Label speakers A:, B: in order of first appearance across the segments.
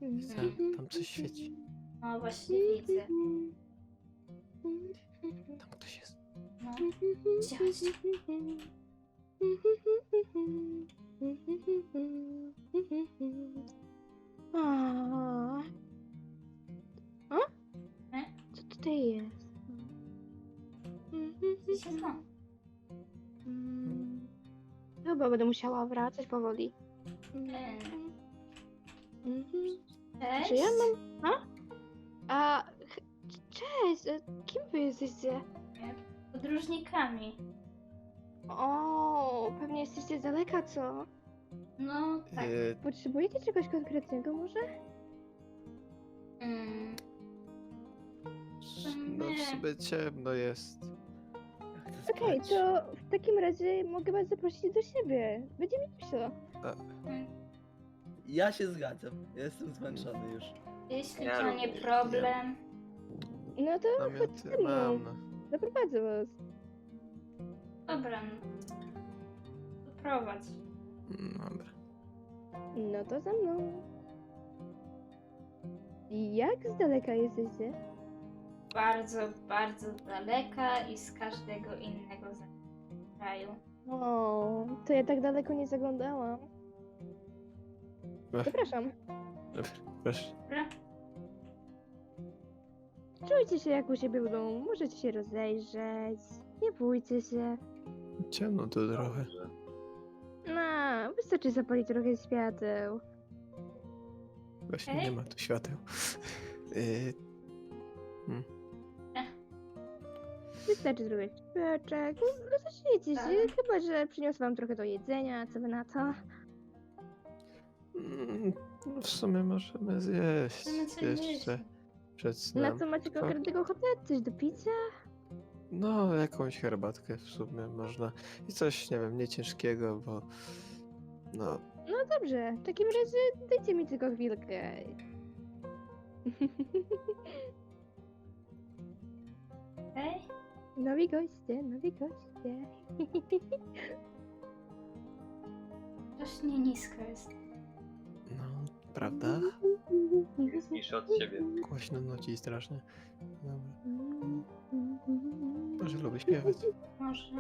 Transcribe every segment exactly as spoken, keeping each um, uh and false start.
A: Widzę, tam coś świeci.
B: No właśnie widzę.
A: Tam ktoś jest.
B: No. Chodźcie, chodźcie.
C: A? A?
B: E?
C: Co tutaj jest?
B: Widzicie to?
C: Mm. Chyba będę musiała wracać powoli.
B: E,
C: Mhm.
B: Cześć.
C: Czy ja mam... A? A... ch- Cześć! e, Kim wy jesteście?
B: Podróżnikami.
C: O, pewnie jesteście z daleka, co?
B: No tak.
A: E,
C: Potrzebujecie czegoś konkretnego może?
B: Mm.
A: no w sumie ciemno jest. Chcę
C: Okej,
A: spać.
C: to w takim razie mogę was zaprosić do siebie. Będzie mi miło.
B: Mm.
D: Ja się zgadzam. Jestem zmęczony już.
B: Jeśli
E: Ja
B: to nie
E: również.
B: problem.
C: No to chodź
A: Namioty
C: ze mną.
A: mam. No.
C: Zaprowadzę was.
B: Dobra. No. To prowadź.
A: Mm, Dobra.
C: No to za mną. Jak z daleka jesteście?
B: Bardzo, bardzo daleka i z każdego innego kraju.
C: O, to ja tak daleko nie zaglądałam.
A: Ech,
C: Zapraszam.
A: Dobra, proszę.
B: Dobra?
C: Czujcie się jak u siebie w domu. Możecie się rozejrzeć. Nie bójcie się.
A: Ciemno tu trochę.
C: No, wystarczy zapalić trochę świateł.
A: Właśnie
B: Ej.
A: nie ma tu świateł. Y,
C: Wystarczy trochę świeczek. No, Rozejrzyjcie się.
B: Tak.
C: Chyba, że przyniosę wam trochę do jedzenia. Co wy na to?
A: mm, no w sumie możemy zjeść
B: Możemy coś
A: jeszcze
B: zjeść.
A: przed
C: Na
A: snem.
C: co macie konkretnego ochotę? Coś do picia?
A: No, jakąś herbatkę w sumie można. I coś, nie wiem, nie ciężkiego, bo no,
C: No dobrze. W takim razie dajcie mi tylko chwilkę.
B: Okej?
C: Nowi goście, nowi goście.
B: Strasznie nisko jest.
A: no, prawda?
E: Jest niższy od ciebie.
A: Głośno nuci strasznie. Dobra. Może lubię śpiewać.
B: Może.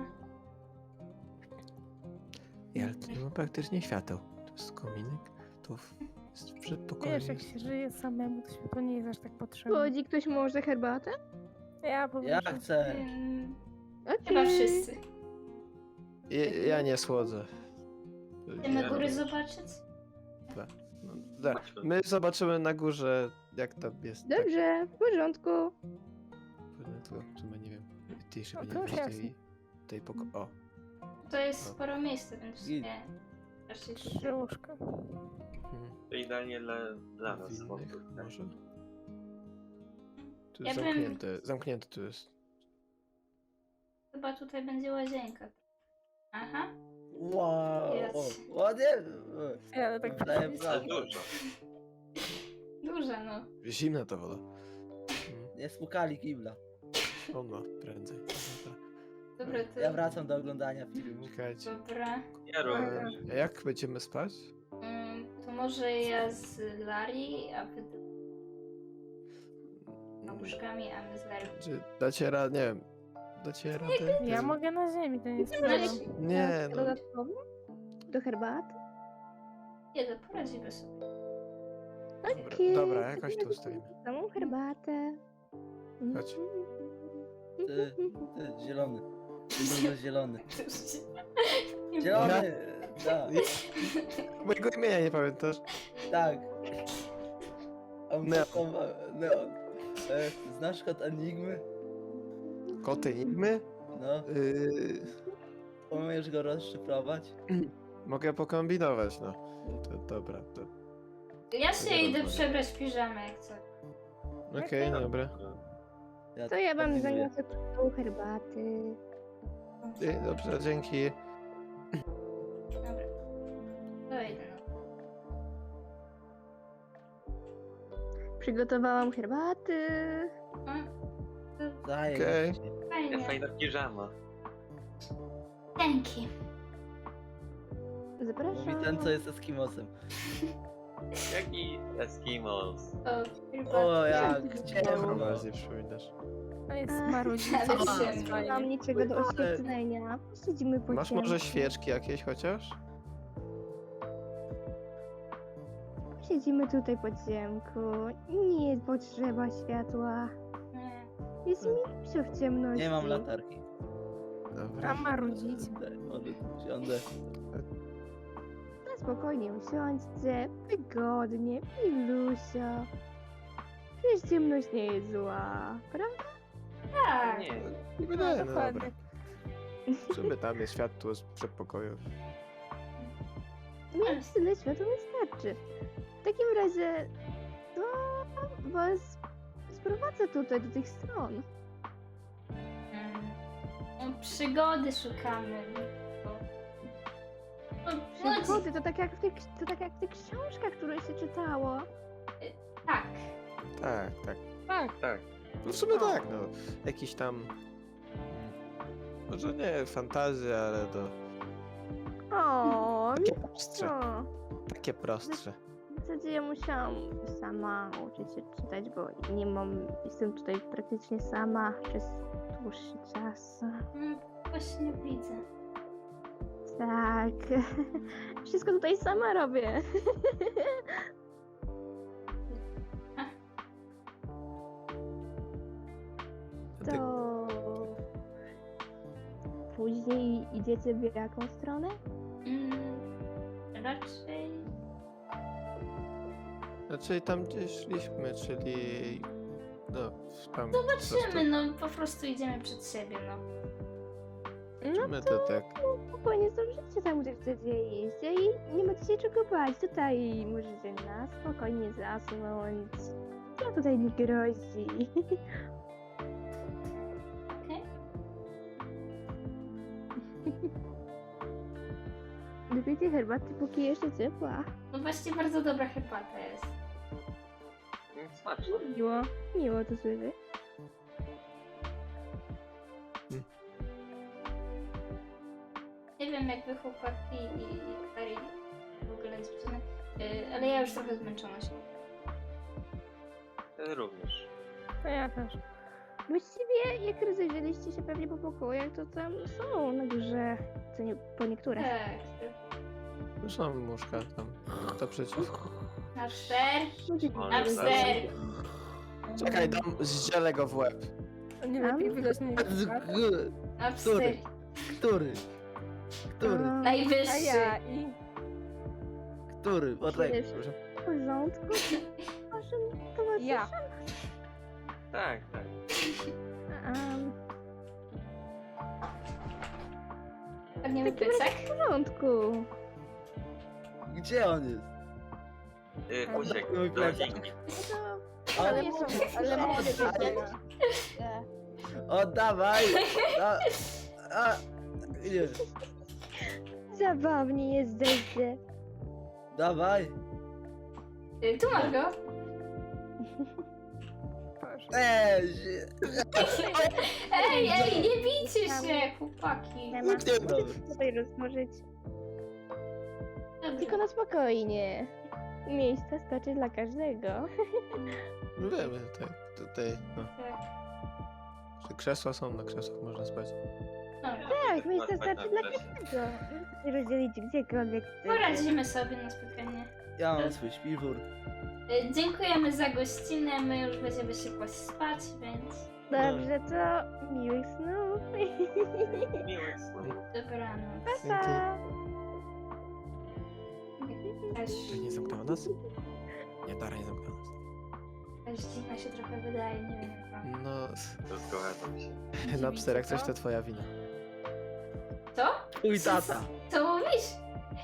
A: I ale tu nie ma praktycznie świateł. To jest kominek, tu w- jest w przedpokoju.
F: Wiesz, jak się żyje samemu, to światło nie jest aż tak potrzebne.
C: Chodzi ktoś może herbatę?
F: Ja powiem,
D: Ja
F: że
D: chcę.
B: Ym,
C: Okej.
B: chyba wszyscy.
A: Ja, ja nie słodzę.
B: Chcemy góry zobaczyć?
A: No, da. My zobaczymy na górze, jak tam jest.
C: Dobrze, w porządku.
A: Tak, tylko w sumie nie wiem. Ty jeszcze
F: O,
A: nie
F: proszę,
A: wiesz
F: jasne.
A: tej, tej poko... O.
B: To jest sporo miejsca, więc w
D: Git.
B: sumie raczej
F: trzy łóżka.
A: Hmm.
E: To idealnie dla, dla nas.
A: Winnych
E: chłopów, tak?
A: może? Tu
B: Ja
A: jest
B: bym-
A: zamknięte. Zamknięte tu jest.
B: chyba tutaj będzie łazienka. Aha.
D: Wow.
B: Jest.
D: O, ładnie.
F: Ej, ale tak
D: Daję
F: patrzeć.
E: Ale
D: brawo.
E: dużo.
B: Duża no.
A: Zimna ta woda.
D: Nie spukali kibla.
A: Hmm. O no, prędzej. Dobra.
B: Dobra, to...
D: Ja wracam do oglądania filmu.
A: Czekajcie.
B: Dobra.
E: Ja również.
A: A jak będziemy spać?
B: Ym, to może ja z Lari, a wy z łóżkami, a my z Lari.
A: Czy dacie radę, nie wiem. Dacie radę?
F: Ja mogę na ziemi, to nie jest
C: Może
F: problem.
C: jakieś
A: Nie, no.
C: dodatkowo? Do herbaty?
B: Nie, to poradzimy sobie.
A: Dobra,
C: Okej.
A: dobra, jakoś tu ustawimy.
C: Samą herbatę.
A: Chodź.
D: Ty, ty, zielony. Ty zielony.
B: Nie
D: Zielony! Tak,
A: Mojego imienia nie pamiętasz?
D: tak. On
A: Neon.
D: taką, e, Neon. E, Znasz kod Enigmy?
A: Koty Enigmy?
D: No,
A: Yy,
D: umiesz go rozszyfrować?
A: mogę pokombinować, no. To, dobra, to...
B: Ja się
A: Dobra,
B: idę
A: dobra.
B: przebrać w piżamę jak co.
A: Okej, dobra.
C: To ja wam
D: kombinuję.
C: zaniosę tą herbaty.
A: Ej, dobrze, dzięki.
B: Dobra. To idę no.
C: Przygotowałam herbaty.
B: A, to
D: Daję.
A: Okej.
E: Ja
B: fajnie.
E: fajna piżama.
B: Dzięki.
D: Mówi
C: Zapraszam.
D: ten, co jest Eskimosem.
E: Jaki Eskimos?
B: O, chyba.
D: O, jak
C: Dobra.
D: ciemno.
A: Bardziej przypominasz.
F: To jest
C: Ech,
F: marudzica.
B: ale
F: to
B: się-
F: jest
C: Nie
F: fajnie.
C: mam niczego do oświetlenia. Siedzimy po
A: Masz
C: ciemku.
A: może świeczki jakieś chociaż?
C: Siedzimy tutaj po ciemku. Nie potrzeba światła.
B: Nie.
C: Jest mi w ciemności.
D: Nie mam latarki.
A: Dobra.
F: A marudzica.
D: Siądę, siądę.
C: Na spokojnie usiądźcie. Wygodnie. Milusio. Przecież ciemność nie jest zła, prawda?
B: Tak.
E: Nie.
A: Nie wydaje, no dobra.
F: dokładnie.
A: W sumie tam jest światło z przedpokoju.
C: Mi tyle światła wystarczy. W takim razie to was sprowadzę tutaj do tych stron.
B: Mm. No, przygody szukamy. Bo... No, no,
C: Przygody to tak jak w tych, to tak jak w tych książkach, które się czytało.
B: tak.
A: Tak, tak.
F: Tak.
E: Tak.
A: No w sumie tak, no. Jakiś tam... mm, Może nie fantazja, ale to
C: O,
A: takie prostsze.
C: no.
A: Takie prostsze.
C: W zasadzie ja musiałam sama uczyć się czytać, bo nie mam, jestem tutaj praktycznie sama przez dłuższy czas.
B: Mm, właśnie widzę.
C: Tak. Wszystko tutaj sama robię.
A: Ty,
C: To później idziecie w jaką stronę?
B: Mm, raczej.
A: znaczy tam gdzie szliśmy, czyli... No, tam...
B: Zobaczymy, no po prostu idziemy przed siebie, no.
C: No
A: My to tak...
C: spokojnie zdążycie tam, gdzie chcecie iść i nie macie się czego bać. Tutaj możecie na spokojnie zasnąć. No tutaj nie grozi.
B: Okej?
C: Wypijcie herbaty, póki jeszcze ciepła.
B: No właśnie bardzo dobra herbata jest.
E: Smaczne.
C: Miło, miło to słyszeć.
B: Nie wiem jak wy chłopaki i, i Kari w ogóle dziewczyny, yy, ale ja już trochę zmęczona się.
E: Ty również.
F: To ja też.
C: Właściwie jak rozejrzeliście się pewnie po pokojach, to tam są na górze, co nie, po niektóre.
B: Tak.
A: Są muszka tam. To przeciw.
B: Na czter.
E: Ale
B: Na cztery.
A: Czekaj, dam zdzielę go w łeb.
F: To nie
C: Tam?
F: lepiej wydać na niego.
B: Na
D: Który?
B: cztery.
D: Który? Który?
C: A,
F: A
B: Najwyższy.
F: ja i...
D: Który? Poczekaj.
C: Jest w porządku? Waszym towarzyszem?
F: Ja.
E: Tak, tak.
C: Um,
B: Padniemy
C: w takim razie
B: pycek.
C: w porządku.
D: Gdzie on jest?
E: Y, uciekł
D: Mój
E: do
D: plecak.
E: nich.
C: No to...
D: Ale-
C: nie są,
F: Ale mogę
C: ale-
F: powiedzieć.
D: Oddawaj! Da... A... Nie.
C: Zabawnie jesteście.
D: Dawaj!
B: Yy, tu masz go.
F: Proszę.
D: Eee!
B: Ej, ej, nie bijcie się, chłopaki.
C: Nie ma
D: Dobra.
C: tutaj rozłożyć.
B: Dobra.
C: Tylko na spokojnie. Miejsca starczy dla każdego.
A: No wiemy, tak. Tutaj, no.
B: Tak.
A: Że krzesła są, na krzesłach można spać.
B: No,
C: Tak, miejsca
E: Spać na
C: starczy dla
E: krześle.
C: każdego. Możecie się rozdzielić gdziekolwiek chcecie.
B: poradzimy sobie na spokojnie.
D: Ja mam swój śpiwór.
B: Yy, dziękujemy za gościnę, my już będziemy się kłaść spać, więc
C: Dobrze, to miłych snów.
E: Miłych snów.
B: dobranoc.
C: Pa.
B: Aż,
A: Czy nie zamknęła nas? Nie, Dara nie zamknęła nas.
B: aż dziwna się trochę wydaje, nie wiem jak wam.
A: No,
E: To zgadzam się.
A: Napster, jak coś to twoja wina.
B: Co?
D: Twój tata.
B: Co mówisz?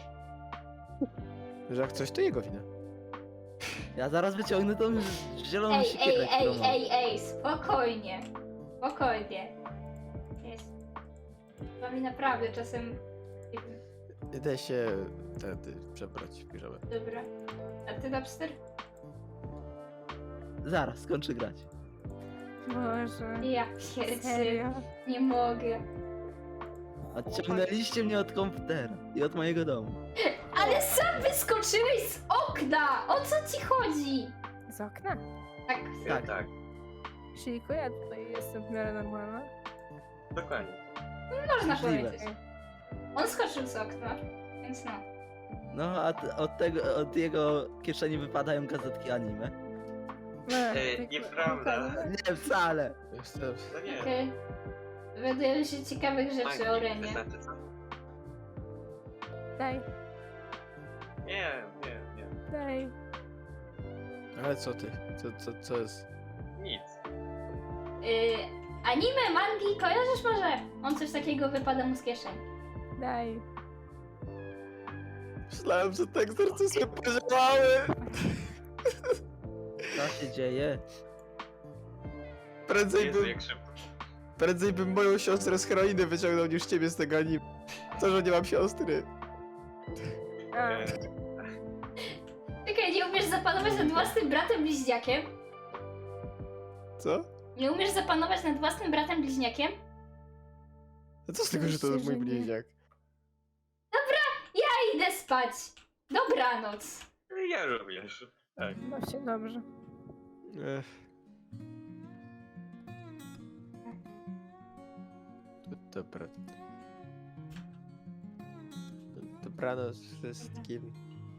A: Że jak coś, to jego wina.
D: Ja zaraz wyciągnę tą zieloną
B: Ej,
D: siekierę,
B: ej, ej,
D: którą mam.
B: ej, ej, spokojnie. Spokojnie. Jest. Wami naprawdę czasem... nie wiem.
A: Idę się wtedy przebrać w piżamę.
B: Dobra. A ty, Napster?
D: Zaraz, skończę grać.
F: Boże.
B: Ja pierdzie.
F: Serio?
B: Nie mogę.
D: Odciągnęliście mnie od komputera i od mojego domu.
B: Ale sam wyskoczyłeś z okna! O co ci chodzi?
F: Z okna?
B: Tak.
E: Ja
D: Tak.
E: tak,
F: Silku, ja tutaj jestem w miarę normalna.
E: dokładnie.
B: Można
D: Możliwe.
B: powiedzieć. On skoczył z okna, więc no.
D: No, a t- od tego, od jego kieszeni wypadają gazetki anime.
F: No,
E: Ej,
F: tak-
E: nieprawda.
D: Nie, wcale.
A: Jestem...
E: No nie.
B: Okej. Dowiadujemy się ciekawych rzeczy o Remie.
E: Znaczy co?
F: Daj,
E: Nie, nie, nie.
F: daj.
A: Ale co ty? Co, co, co jest?
E: Nic.
B: Yy, anime, mangi, kojarzysz może? On coś takiego wypada mu z kieszeni.
F: Daj.
A: Myślałem, że te egzorcyzmy podziałały!
D: Co się dzieje?
A: Prędzej
E: Jezu,
A: bym,
E: jak szybko.
A: prędzej bym moją siostrę z heroiny wyciągnął niż ciebie z tego anime. To, że nie mam siostry.
F: A,
E: E,
B: Czekaj, nie umiesz zapanować nad własnym bratem bliźniakiem?
A: Co?
B: Nie umiesz zapanować nad własnym bratem bliźniakiem?
A: A co z tego, że to jest mój
F: Oczywiście, że nie.
A: bliźniak?
B: Ja idę spać. Dobranoc.
E: ja również. Tak.
F: właśnie dobrze.
A: Ech. Dobra. Dobranoc wszystkim.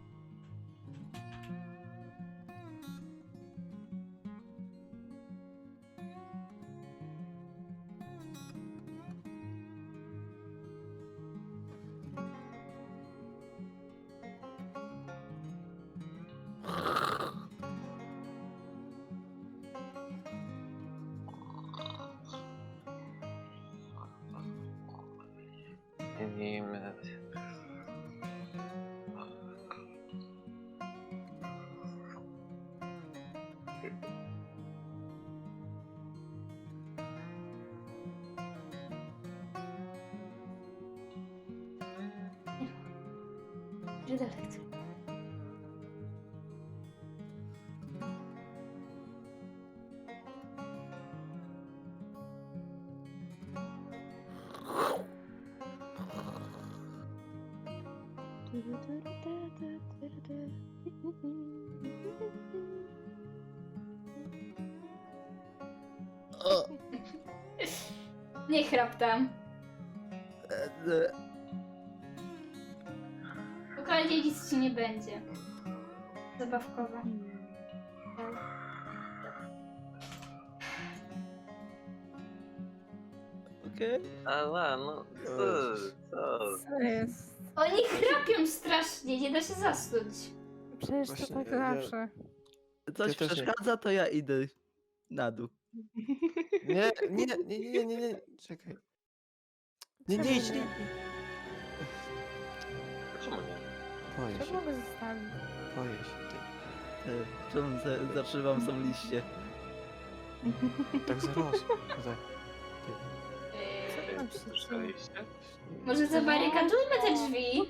E: Wiemy.
B: Redalekt.
D: O,
B: Nie chrap tam.
D: e, e,
B: Spokojnie, nic ci nie będzie. Zabawkowa.
D: Okej.
E: Ala, no co? Co?
F: Co jest?
B: Oni chrapią strasznie, nie da się zasnąć.
F: Przecież
A: Właśnie,
F: to tak
A: ja- ja-
F: zawsze.
D: Coś
A: Ja też nie.
D: przeszkadza, to ja idę na dół.
A: Nie, nie, nie, nie, nie, nie, nie. Czekaj. Nie, nie idź, nie.
E: Czemu nie?
A: Boję
F: Co
A: się,
F: mogę zostawić?
A: boję się. Ty.
D: E, Czemu za- zatrzymam są liście?
A: Tak zarosło. Tak.
B: Yy,
F: tam
E: E,
F: się
E: Słyszeliście?
B: może zabarykadujmy te drzwi?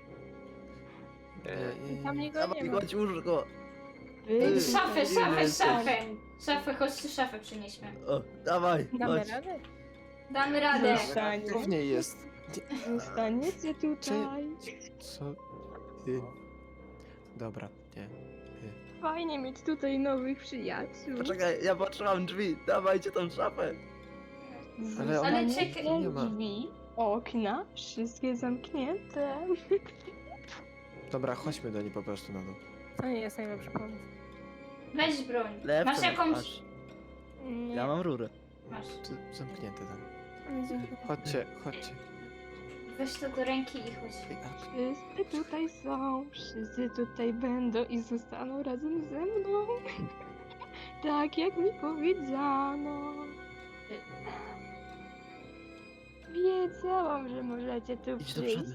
E: E,
A: Ty.
F: Tam niego
D: Dawaj,
F: nie ma.
D: chodź łóżko.
B: Yy,
D: Ty,
B: szafę,
D: ty
B: szafę,
D: jesteś.
B: szafę. Szafę, chodź tu szafę przynieśmy.
D: O, dawaj,
F: Damy
D: chodź.
F: radę?
B: Damy radę.
A: Co w niej jest?
C: Zostaniecie tutaj.
A: Co? Ty. Dobra, nie.
C: Fajnie mieć tutaj nowych przyjaciół.
D: Poczekaj, ja patrzyłam drzwi. Dawajcie tą szafę.
A: Ale
B: Ale
A: on-
B: czekaj.
A: nie ma.
C: Drzwi, okna, wszystkie zamknięte.
A: Dobra, chodźmy do niej po prostu na dół.
F: To nie jest najlepszy pomysł.
B: Weź broń.
D: Lewce
B: Masz jakąś...
D: masz.
F: Nie.
D: Ja mam rurę.
B: Masz.
A: Tu zamknięte tam.
F: Nie dziękuję.
A: Chodźcie, chodźcie.
B: Weź to do ręki i chodź.
A: Ej, a-
C: Wszyscy tutaj są, wszyscy tutaj będą i zostaną razem ze mną. Tak jak mi powiedziano. Wiedziałam, że możecie tu
D: Idź do
C: przyjść.
D: przodu.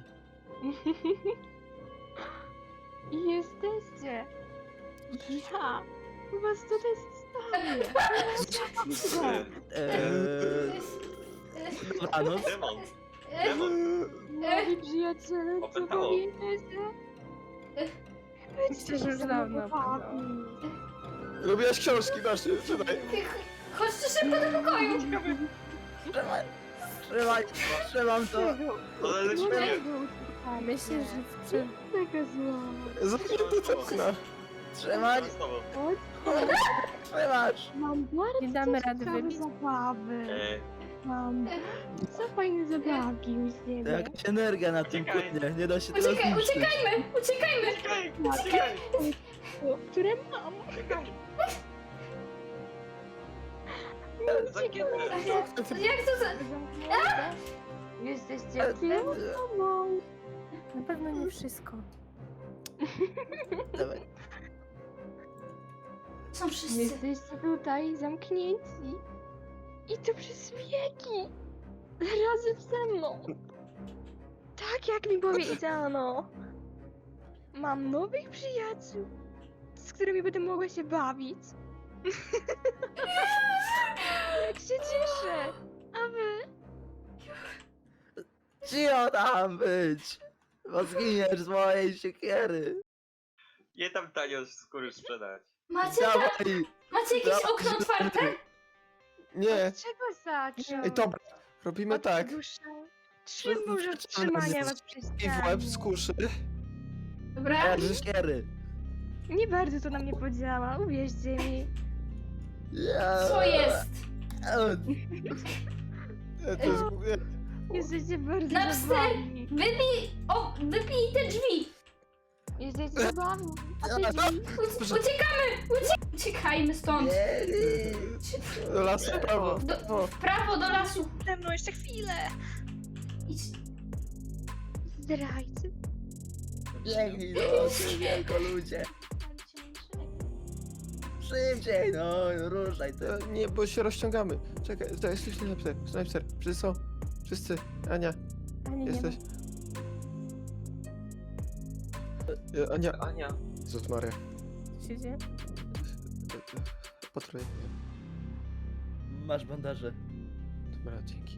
C: I jesteście. Ja was tutaj zostawię.
D: Eee, dobranoc.
E: Demon! Demon!
C: Moi przyjaciele, co
E: Opętało.
C: pamiętacie?
F: Myślę, że już dawno
C: opętało.
A: Lubiłaś książki, masz, czytaj.
B: Chodź tu szybko do pokoju.
D: Trzymaj, trzymaj, trzymam to.
E: Ale lecimy!
F: Myślisz, że w przy...
C: Taka zła.
A: Zamknięte te okna.
D: Trzymaj!
E: Z tobą.
D: Trzymasz!
C: Mam bardzo
F: Nie damy rady
C: ciekawe
F: wybić.
C: zabawy.
E: E,
C: Mam co fajne zabawki u
D: To
C: siebie.
D: jakaś energia na tym
E: Uciekaj.
D: płynie, nie da się tego
B: Uciekaj,
D: zniszczyć.
B: uciekajmy, uciekajmy!
E: Uciekaj, uciekaj,
C: Które mam.
E: uciekaj.
C: Uciekaj.
E: Zamknięte.
B: Jak to za...
C: Zamknięte. Jesteście sobą.
F: Na pewno nie wszystko.
D: Dawaj.
B: Są wszyscy.
C: Jesteście tutaj zamknięci. I to przez wieki. Razem ze mną. Tak jak mi powiedziano. Mam nowych przyjaciół, z którymi będę mogła się bawić. Jak się cieszę. A wy?
D: Cicho tam być! Bo zginiesz z mojej siekiery!
E: Nie tam tanio skóry sprzedać.
B: Macie, ta...
D: Dawaj!
B: Macie jakieś
D: dawaj,
B: okno otwarte?
A: Nie.
C: Od czego zacząć?
A: Ej, dobra. Robimy
C: Od
A: tak.
C: dusza. Trzy może od trzymania was przy
A: I w łeb z kuszy.
B: Dobra.
D: Ja z siekiery!
C: Nie bardzo to na mnie podziała, uwierzcie mi.
D: Ja...
B: Co jest?
A: E, To jest... nie.
C: Jesteście bardzo
B: Napster!
C: zabawni.
B: Wybij... O, wybij te drzwi!
C: Jesteście zabawni. A ty
D: Ja-
C: drzwi?
B: Uc- uciekamy! Ucie... Uciekajmy stąd!
D: Nie, nie.
A: Do lasu, prawo.
B: Do-
A: prawo.
B: W prawo do lasu!
C: Ze mną jeszcze chwilę.
B: Idź.
C: Zdrajcy.
D: Biegnij do wielko ludzie! Szybciej, no, ruszaj ty!
A: E, Nie, bo się rozciągamy. Czekaj, to jest snajper. Snajper. Wszyscy są. Wszyscy. Ania,
F: A nie, nie
A: jesteś. E, Ania.
E: Ania.
A: Jezus Maria.
F: ma. Co się dzieje?
A: Patruję.
D: Masz bandaże.
A: Dobra, dzięki.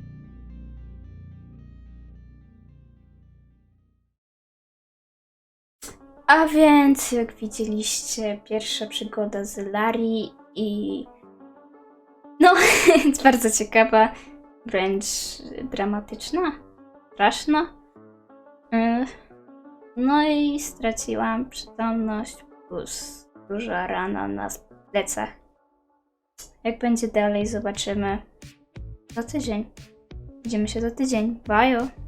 B: A więc, jak widzieliście, pierwsza przygoda z Lari i... No, jest bardzo ciekawa, wręcz dramatyczna, straszna. Y, No i straciłam przytomność, plus duża rana na plecach. Jak będzie dalej, zobaczymy za tydzień. Widzimy się za tydzień. Bye!